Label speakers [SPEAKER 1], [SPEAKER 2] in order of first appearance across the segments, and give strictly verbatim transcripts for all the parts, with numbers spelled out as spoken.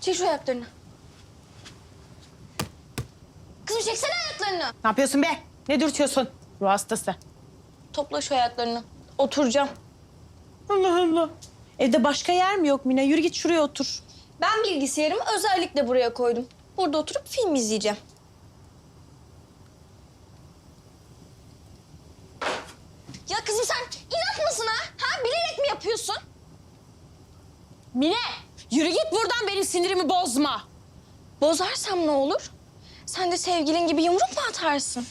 [SPEAKER 1] Çek şu ayaklarını. Kızım çeksene ayaklarını.
[SPEAKER 2] Ne yapıyorsun be? Ne dürtüyorsun? Ruh hastası.
[SPEAKER 1] Topla şu ayaklarını. Oturacağım.
[SPEAKER 2] Allah Allah. Evde başka yer mi yok Mine? Yürü git şuraya otur.
[SPEAKER 1] Ben bilgisayarımı özellikle buraya koydum. Burada oturup film izleyeceğim. Ya kızım sen inat mısın ha? Ha bilerek mi yapıyorsun?
[SPEAKER 2] Mine, yürü git buradan, benim sinirimi bozma.
[SPEAKER 1] Bozarsam ne olur? Sen de sevgilin gibi yumruk mu atarsın?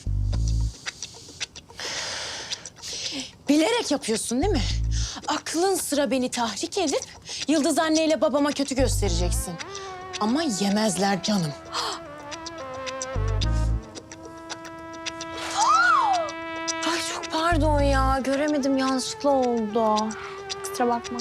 [SPEAKER 2] Bilerek yapıyorsun değil mi? Aklın sıra beni tahrik edip Yıldız anneyle babama kötü göstereceksin. Ama yemezler canım.
[SPEAKER 1] Ay çok pardon ya. Göremedim, yanlışlıkla oldu. Kusura bakma.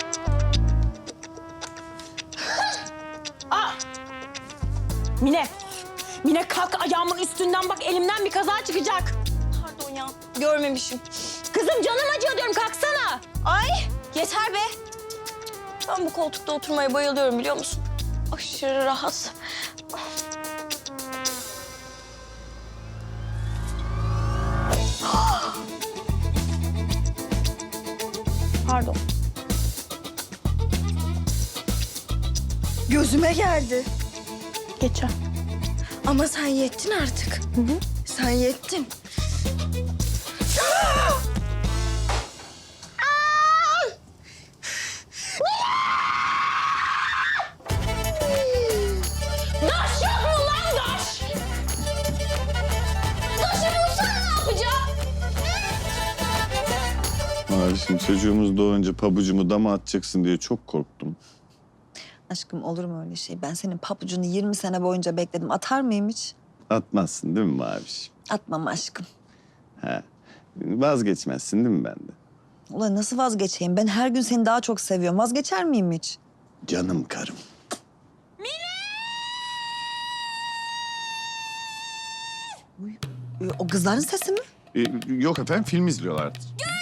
[SPEAKER 2] Aa! Mine, Mine kalk ayağımın üstünden, bak elimden bir kaza çıkacak.
[SPEAKER 1] Pardon ya. Görmemişim.
[SPEAKER 2] Kızım canım acıyor diyorum, kalksana.
[SPEAKER 1] Ay yeter be. Ben bu koltukta oturmaya bayılıyorum biliyor musun? Aşırı rahat. Pardon. Gözüme geldi.
[SPEAKER 2] Geçer.
[SPEAKER 1] Ama sen yettin artık. Hı hı. Sen yettin.
[SPEAKER 2] Daş yok mu lan daş?
[SPEAKER 1] Taşı bulsana ne yapacağım?
[SPEAKER 3] Abi şimdi çocuğumuz doğunca pabucumu dama atacaksın diye çok korktum.
[SPEAKER 4] Aşkım olur mu öyle şey? Ben senin papucunu yirmi sene boyunca bekledim. Atar mıyım hiç?
[SPEAKER 3] Atmazsın değil mi Mavişim?
[SPEAKER 4] Atmam aşkım.
[SPEAKER 3] He. Vazgeçmezsin değil mi benden?
[SPEAKER 4] Ulan nasıl vazgeçeyim? Ben her gün seni daha çok seviyorum. Vazgeçer miyim hiç?
[SPEAKER 3] Canım karım.
[SPEAKER 4] Uy, e, o kızların sesi mi?
[SPEAKER 3] Ee, yok efendim, film izliyorlardı.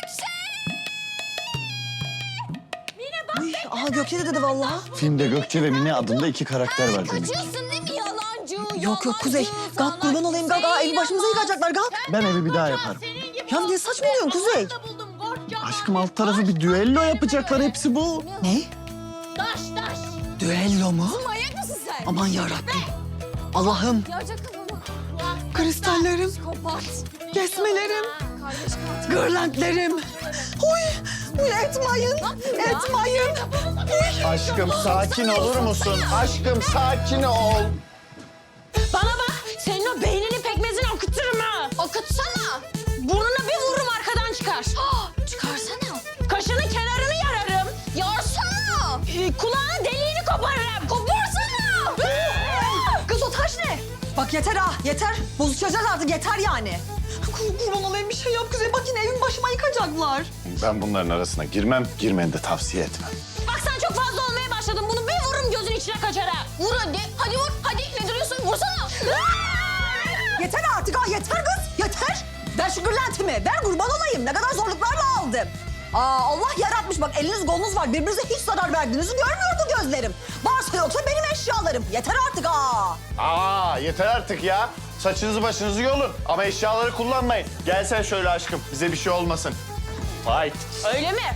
[SPEAKER 4] Uy, aha Gökçe de dedi vallahi.
[SPEAKER 3] Filmde Gökçe ve Mine adında iki karakter var demek.
[SPEAKER 1] Kaçıyorsun değil mi yalancı?
[SPEAKER 4] Yok yok Kuzey. Kalk kurban olayım kalk. Aa, evi başımıza yıkacaklar kalk.
[SPEAKER 3] Ben evi bir daha yaparım.
[SPEAKER 4] Ya niye saçmalıyorsun Kuzey?
[SPEAKER 3] Aşkım alt tarafı bir düello yapacaklar, hepsi bu.
[SPEAKER 4] Ne?
[SPEAKER 2] Daş daş.
[SPEAKER 4] Düello mu?
[SPEAKER 1] Manyak mısın sen?
[SPEAKER 4] Aman yarabbim. Allah'ım.
[SPEAKER 1] Yarca kafamı.
[SPEAKER 4] Kristallerim,
[SPEAKER 1] Kapat.
[SPEAKER 4] kesmelerim,
[SPEAKER 1] Kardeş kapat.
[SPEAKER 4] gırlentlerim. Uy, uy etmayın, etmayın.
[SPEAKER 3] Aşkım sakin olur musun? Aşkım sakin ol.
[SPEAKER 2] Bana bak, senin o beyninin pekmezini akıtırım ha.
[SPEAKER 1] Akıtsana.
[SPEAKER 2] Burnuna bir vururum, arkadan çıkar.
[SPEAKER 1] Çıkarsana.
[SPEAKER 2] Kaşının kenarını yararım.
[SPEAKER 1] Yarsana.
[SPEAKER 2] Ee, kulağının deliğini koparırım.
[SPEAKER 1] Koparsana.
[SPEAKER 4] Kız o taş ne? Bak yeter ha, yeter. Bozuşacağız artık, yeter yani. Kur, kurban olayım bir şey yap Kuzey. Bak yine evin başıma yıkacaklar.
[SPEAKER 3] Ben bunların arasına girmem, girmeni de tavsiye etmem.
[SPEAKER 2] Bak sen çok fazla olmaya başladın. Bunu bir vururum gözün içine kaçar ha.
[SPEAKER 1] Vur hadi. Hadi vur. Hadi ne duruyorsun? Vursana.
[SPEAKER 4] Yeter artık ha, yeter kız, yeter. Ver şu gırlentimi, ver kurban olayım. Ne kadar zorluklarla aldım. Aa, Allah yaratmış bak, eliniz kolunuz var. Birbirinize hiç zarar verdiğinizi görmüyor bu gözlerim. Varsa yoksa benim eşyalarım. Yeter artık ha.
[SPEAKER 3] Aa yeter artık ya. Saçınızı başınızı yolun ama eşyaları kullanmayın. Gel sen şöyle aşkım, bize bir şey olmasın. Fight.
[SPEAKER 2] Öyle mi?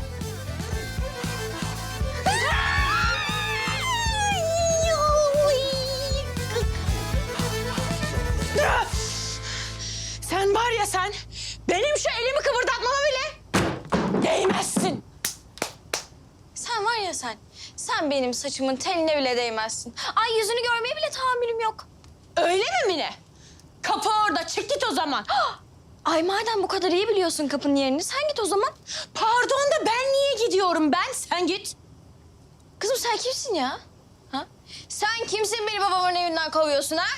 [SPEAKER 2] Sen var ya sen, benim şu elimi kıvırdatmama bile değmezsin.
[SPEAKER 1] Sen var ya sen. Sen benim saçımın teline bile değmezsin. Ay yüzünü görmeye bile tahammülüm yok.
[SPEAKER 2] Öyle mi Mine? Kapı orada, çık git o zaman.
[SPEAKER 1] Ay madem bu kadar iyi biliyorsun kapının yerini sen git o zaman.
[SPEAKER 2] Pardon da ben niye gidiyorum ben? Sen git.
[SPEAKER 1] Kızım sen kimsin ya? Ha? Sen kimsin beni babamın evinden kovuyorsun ha?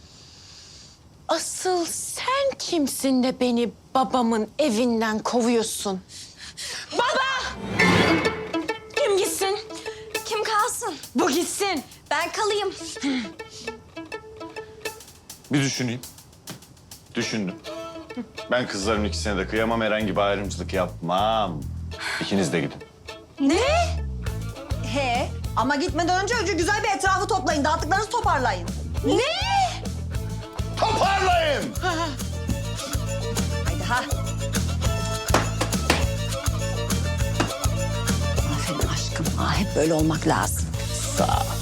[SPEAKER 2] Asıl sen kimsin de beni babamın evinden kovuyorsun? Baba! Kim gitsin?
[SPEAKER 1] Kim kalsın?
[SPEAKER 2] Bu gitsin.
[SPEAKER 1] Ben kalayım.
[SPEAKER 3] Bir düşüneyim. Düşündüm. Ben kızların ikisine de kıyamam, herhangi bir ayrımcılık yapmam. İkiniz de gidin.
[SPEAKER 4] He, Ama gitmeden önce önce güzel bir etrafı toplayın. Dağıttıklarınızı toparlayın.
[SPEAKER 3] Toparlayın.
[SPEAKER 4] Haydi ha. Aferin aşkım. Ha, hep böyle olmak lazım.
[SPEAKER 3] Sağ ol.